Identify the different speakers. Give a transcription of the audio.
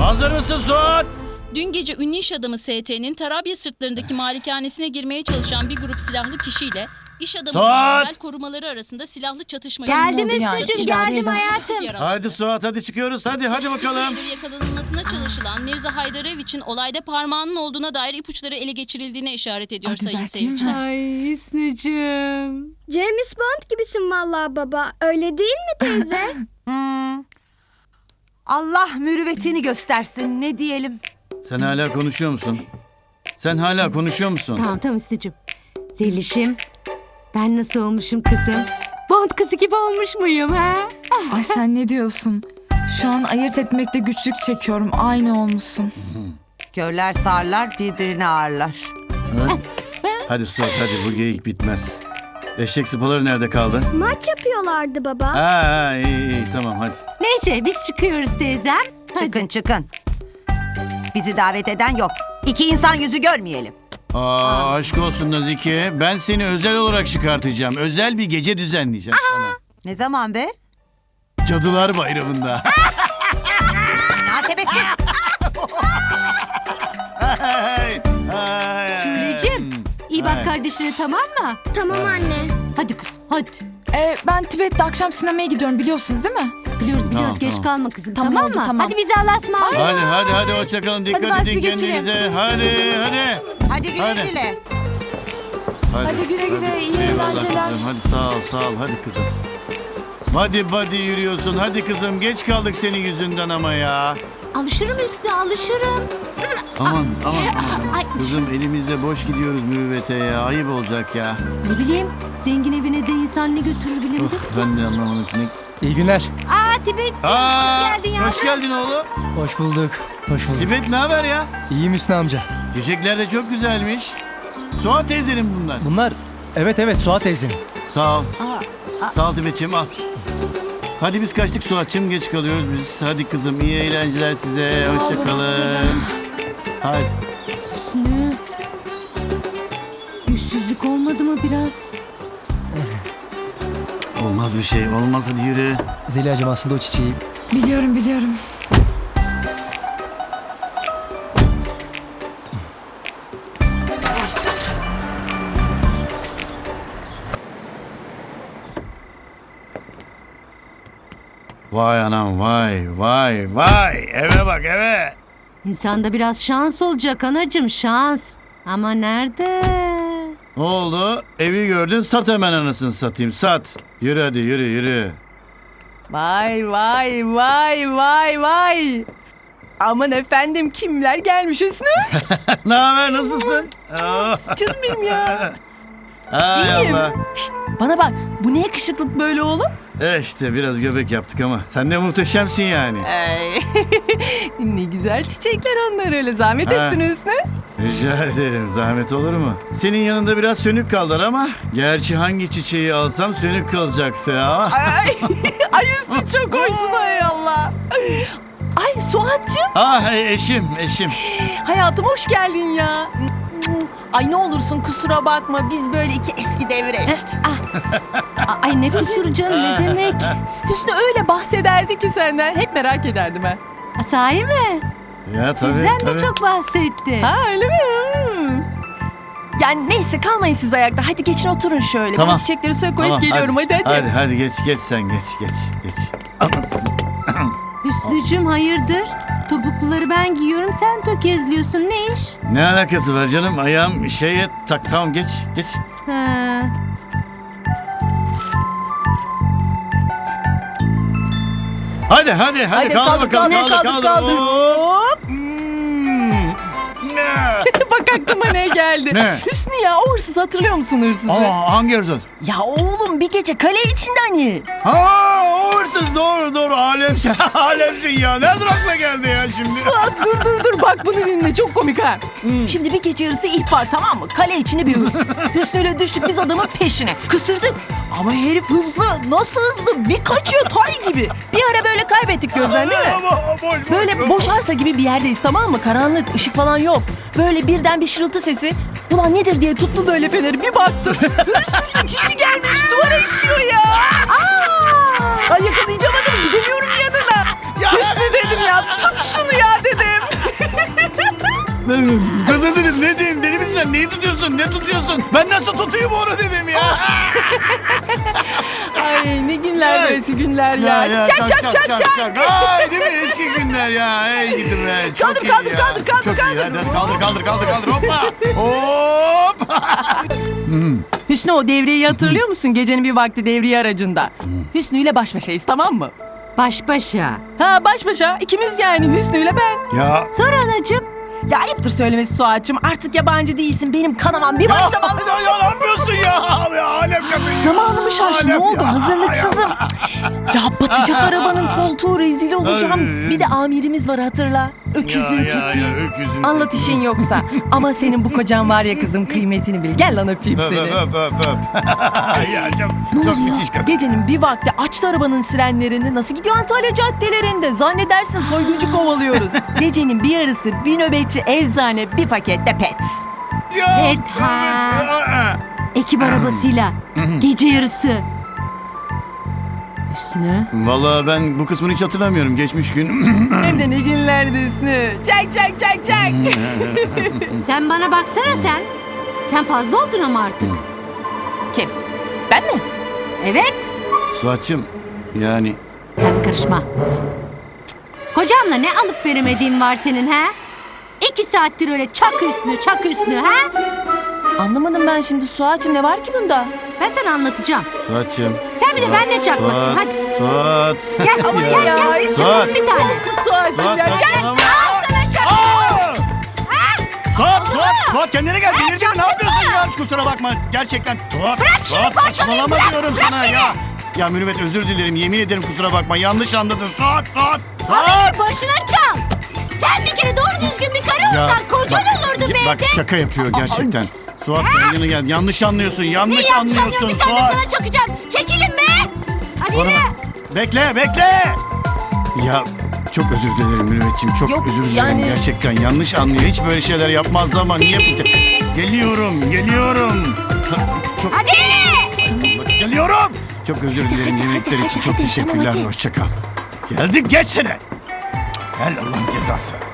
Speaker 1: Hazır mısın Suat?
Speaker 2: Dün gece ünlü iş adamı ST'nin Tarabya sırtlarındaki malikanesine girmeye çalışan bir grup silahlı kişiyle iş adamının
Speaker 1: Suat!
Speaker 2: özel korumaları arasında silahlı çatışma
Speaker 3: Geldim
Speaker 2: çıktı.
Speaker 3: Üstücüğüm, geldim hayatım.
Speaker 1: Hadi Suat, hadi çıkıyoruz. Hadi
Speaker 2: Bir
Speaker 1: bakalım.
Speaker 2: süredir yakalanılmasına çalışılan Mirza Haydareviç'in olayda parmağının olduğuna dair ipuçları ele geçirildiğine işaret ediyor sayın seyirciler.
Speaker 3: Ay Hüsnücüğüm.
Speaker 4: James Bond gibisin vallahi baba. Öyle değil mi teyze?
Speaker 5: Allah mürüvvetini göstersin, ne diyelim.
Speaker 1: Sen hala konuşuyor musun?
Speaker 3: Tamam Hüsnücüğüm. Zelişim, ben nasıl olmuşum kızım? Bond kızı gibi olmuş muyum ha?
Speaker 6: Ay sen ne diyorsun? Şu an ayırt etmekte güçlük çekiyorum. Aynı olmuşsun.
Speaker 5: Körler sağırlar, birbirini ağırlar.
Speaker 1: Hadi Suat, hadi bu geyik bitmez. Eşek sıpaları nerede kaldı?
Speaker 4: Maç yapıyorlardı baba.
Speaker 1: Ha, iyi tamam hadi.
Speaker 3: Neyse biz çıkıyoruz teyzem.
Speaker 5: Çıkın. Bizi davet eden yok. İki insan yüzü görmeyelim.
Speaker 1: Aşk olsun Nazike. Ben seni özel olarak çıkartacağım. Özel bir gece düzenleyeceğim sana.
Speaker 5: Ne zaman be?
Speaker 1: Cadılar Bayramı'nda.
Speaker 5: Münasebesiz.
Speaker 3: Şuleciğim, iyi bak kardeşine, tamam mı?
Speaker 4: Tamam anne.
Speaker 3: Hadi kız, hadi.
Speaker 6: Ben Tibet'te akşam sinemaya gidiyorum, biliyorsunuz değil mi?
Speaker 3: Biliyoruz
Speaker 1: Tamam,
Speaker 3: geç
Speaker 1: tamam.
Speaker 3: kalma kızım,
Speaker 6: Tamam,
Speaker 3: tamam
Speaker 6: oldu,
Speaker 3: mı?
Speaker 6: tamam.
Speaker 3: Hadi bizi Allah'a ısmarlayın.
Speaker 1: Hadi hoşçakalın. Dikkat
Speaker 6: Hadi ben sizi
Speaker 1: edin
Speaker 6: geçireyim.
Speaker 1: kendinize. Hadi.
Speaker 5: Hadi güle
Speaker 1: Hadi.
Speaker 5: güle.
Speaker 6: Hadi güle güle, iyi
Speaker 1: Eyvallah
Speaker 6: eğlenceler.
Speaker 1: kızım. Hadi sağ ol. Hadi kızım. Hadi yürüyorsun. Hadi kızım. Geç kaldık senin yüzünden ama ya.
Speaker 3: Alışırım Hüsnü, alışırım.
Speaker 1: Aman.
Speaker 3: Ay.
Speaker 1: Kızım elimizde boş gidiyoruz mürüvvete ya. Ayıp olacak ya.
Speaker 3: Ne bileyim, zengin evine de insan ne götürür bilemedim.
Speaker 1: Of, ben de anlamadım ki.
Speaker 7: İyi günler.
Speaker 3: Tibetciğim, hoş geldin ya.
Speaker 1: Hoş geldin oğlum.
Speaker 7: Hoş bulduk.
Speaker 1: Tibet ne haber ya?
Speaker 7: İyiyim Hüsnü amca.
Speaker 1: Çiçekler de çok güzelmiş. Suat teyzenin bunlar.
Speaker 7: Bunlar evet Suat teyzenin.
Speaker 1: Sağ ol. Sağ ol Tibet'ciğim, al. Hadi biz kaçtık Suat'cığım, geç kalıyoruz biz. Hadi kızım, iyi eğlenceler size.
Speaker 6: Sağ ol
Speaker 1: Hoşça
Speaker 6: babası da.
Speaker 1: kalın. Hadi.
Speaker 3: Hüsnü, yüzsüzlük olmadı mı biraz?
Speaker 1: Olmaz bir şey. Olmaz, hadi yürü.
Speaker 7: Zeliha'cığım aslında o çiçeği.
Speaker 6: Biliyorum.
Speaker 1: Vay anam, vay. Eve bak, eve.
Speaker 3: İnsanda biraz şans olacak anacığım, şans. Ama nerede?
Speaker 1: Ne oldu? Evi gördün, sat hemen anasını satayım, sat. Yürü hadi, yürü.
Speaker 8: Vay. Aman efendim, kimler gelmiş Hüsnü?
Speaker 1: Ne haber, nasılsın?
Speaker 8: Canım benim ya.
Speaker 1: Hay
Speaker 8: İyiyim.
Speaker 1: Allah.
Speaker 8: Şşt, bana bak, bu ne yakışıklık böyle oğlum?
Speaker 1: İşte biraz göbek yaptık ama sen de muhteşemsin yani.
Speaker 8: Ay. Ne güzel çiçekler onlar, öyle zahmet
Speaker 1: Ha.
Speaker 8: ettin Hüsnü.
Speaker 1: Rica ederim, zahmet olur mu? Senin yanında biraz sönük kaldılar ama gerçi hangi çiçeği alsam sönük kalacaktı ya.
Speaker 8: Ay Hüsnü, çok hoşsun, hay Allah. Ay Suat'cığım,
Speaker 1: Eşim.
Speaker 8: hayatım hoş geldin ya. Ay ne olursun kusura bakma, biz böyle iki eski devre işte.
Speaker 3: Ay ne kusuru canım, ne demek?
Speaker 8: Hüsnü öyle bahsederdi ki senden, hep merak ederdim ha.
Speaker 3: Sahi mi?
Speaker 1: Ya tabii.
Speaker 3: Sizden de çok bahsetti.
Speaker 8: Ha öyle mi? Yani neyse, kalmayın siz ayakta. Hadi geçin oturun şöyle.
Speaker 1: Tamam.
Speaker 8: Ben çiçekleri suya koyup geliyorum. Hadi.
Speaker 1: Hadi geç sen geç. Anasını.
Speaker 3: Hüsnücüğüm hayırdır? Topukluları ben giyiyorum, sen tökezliyorsun, ne iş?
Speaker 1: Ne alakası var canım? Ayağım şeye tak, tamam geç.
Speaker 3: Ha.
Speaker 1: Hadi kaldır bakalım.
Speaker 8: kaldır.
Speaker 1: Hop.
Speaker 8: Hop. Bak aklıma ne geldi.
Speaker 1: Ne?
Speaker 8: Hüsnü ya, o hırsız, hatırlıyor musun hırsızı?
Speaker 1: Aa, hangi hırsız?
Speaker 8: Ya oğlum, bir gece kale içinde hani.
Speaker 1: Ha, o hırsız, doğru. Alemsin ya. Nereden aklına geldi ya şimdi?
Speaker 8: Ulan dur bak bunu dinle, çok komik ha. Şimdi bir gece yarısı ihbar, tamam mı? Kale içinde bir hırsız. Hüsnü'yle düştük biz adamın peşine. Kısırdık ama herif hızlı. Nasıl hızlı? Bir kaçıyor tay gibi. Bir ara böyle kaybettik gözden, değil mi? Böyle boş arsa gibi bir yerdeyiz, tamam mı? Karanlık, ışık falan yok. Böyle birden bir şırıltı sesi. Ulan nedir diye tuttum böyle feneri, bir baktım. Hırsızın çişi gelmiş, duvara işiyor ya. Ay yakalayacağım adamı, gidemiyorum yanına. Hüsnü dedim ya, tut şunu ya dedim.
Speaker 1: Kızım dedim ne diyeyim deli misin sen neyi tutuyorsun ne tutuyorsun? Ben nasıl tutayım onu dedim ya.
Speaker 8: Ay ne günler böylesi günler ya. Çak çak çak çak.
Speaker 1: Ay değil mi eski günler ya. Ey gidin be. Çok
Speaker 8: Kaldır,
Speaker 1: iyi
Speaker 8: kaldır,
Speaker 1: ya.
Speaker 8: kaldır, kaldır,
Speaker 1: Çok iyi.
Speaker 8: kaldır.
Speaker 1: Hadi kaldır hoppa. Hop.
Speaker 8: Hüsnü o devriyeyi hatırlıyor musun? Gecenin bir vakti devriye aracında. Hüsnü ile baş başayız tamam mı?
Speaker 3: Baş başa.
Speaker 8: Ha baş başa ikimiz yani Hüsnü ile ben.
Speaker 1: Ya.
Speaker 3: Sonra anacığım.
Speaker 8: Ya ayıptır söylemesi Suat'cığım. Artık yabancı değilsin. Benim kanamam bir başlamalı.
Speaker 1: Ya ne yapıyorsun ya? Ya alem kapıyı.
Speaker 8: Zamanımı şaştı. Ne oldu? Hazırlıksızım. Ya batacak arabanın koltuğu rezil olacağım. Bir de amirimiz var hatırla. Öküzün teki.
Speaker 1: öküzün
Speaker 8: Anlat işin yoksa. Ama senin bu kocan var ya kızım kıymetini bil. Gel lan öpeyim seni.
Speaker 1: Öp. Ya çok müthiş kadın.
Speaker 8: Gecenin bir vakti açtı arabanın sirenlerini. Nasıl gidiyor Antalya caddelerinde? Zannedersin soyguncu kovalıyoruz. Gecenin bir yarısı bir nöbetçi eczane bir pakette pet.
Speaker 1: Ya,
Speaker 3: Evet, ha. Ekip arabasıyla. Gece yarısı. Hüsnü.
Speaker 1: Vallahi ben bu kısmını hiç hatırlamıyorum. Geçmiş gün.
Speaker 8: Hem de ne günlerdi Hüsnü. Çak çak çak çak.
Speaker 3: Sen bana baksana sen. Sen fazla oldun ama artık.
Speaker 8: Kim? Ben mi?
Speaker 3: Evet.
Speaker 1: Suat'cığım yani
Speaker 3: Sen bir karışma. Kocamla ne alıp veremediğin var senin ha? 2 saattir öyle çak Hüsnü ha?
Speaker 8: Anlamadım ben şimdi Suat'cığım ne var ki bunda?
Speaker 3: Ben sana anlatacağım.
Speaker 1: Suat'cığım.
Speaker 3: Sen bir de benle çak bakayım hadi.
Speaker 1: Suat.
Speaker 3: Gel
Speaker 8: Aman
Speaker 3: gel
Speaker 8: ya,
Speaker 3: gel.
Speaker 8: hiç
Speaker 1: Suat.
Speaker 3: Bir tane.
Speaker 8: Olsun Suat'cığım ya. Çak.
Speaker 1: Suat kendine gel. Delireceğim. Ne yapıyorsun ya? Kusura bakma. Gerçekten. Suat saçmalama diyorum sana ya. Ya Mürüvvet özür dilerim. Yemin ederim kusura bakma. Yanlış anladın. Suat.
Speaker 3: Başına çal. Sen bir kere doğru düzgün bir karı olsan kocan olurdu be.
Speaker 1: Bak şaka yapıyor gerçekten. Suat kendine gel. Yanlış anlıyorsun. Yanlış anlıyorsun
Speaker 3: Bir tane
Speaker 1: Suat.
Speaker 3: sana çakacağım. Çekilin be. Hadi
Speaker 1: Bana
Speaker 3: yürü.
Speaker 1: bak. Bekle. Ya çok özür dilerim Mürüvvetciğim. Çok
Speaker 8: Yok,
Speaker 1: özür dilerim.
Speaker 8: yani-
Speaker 1: Gerçekten yanlış anlıyor. Hiç böyle şeyler yapmaz ama niye? Geliyorum. Çok...
Speaker 3: Hadi.
Speaker 1: Geliyorum. Çok özür dilerim yemekler için. Çok teşekkürler. Hoşça kal. Geldik geçsene. Gel Allah'ın cezası.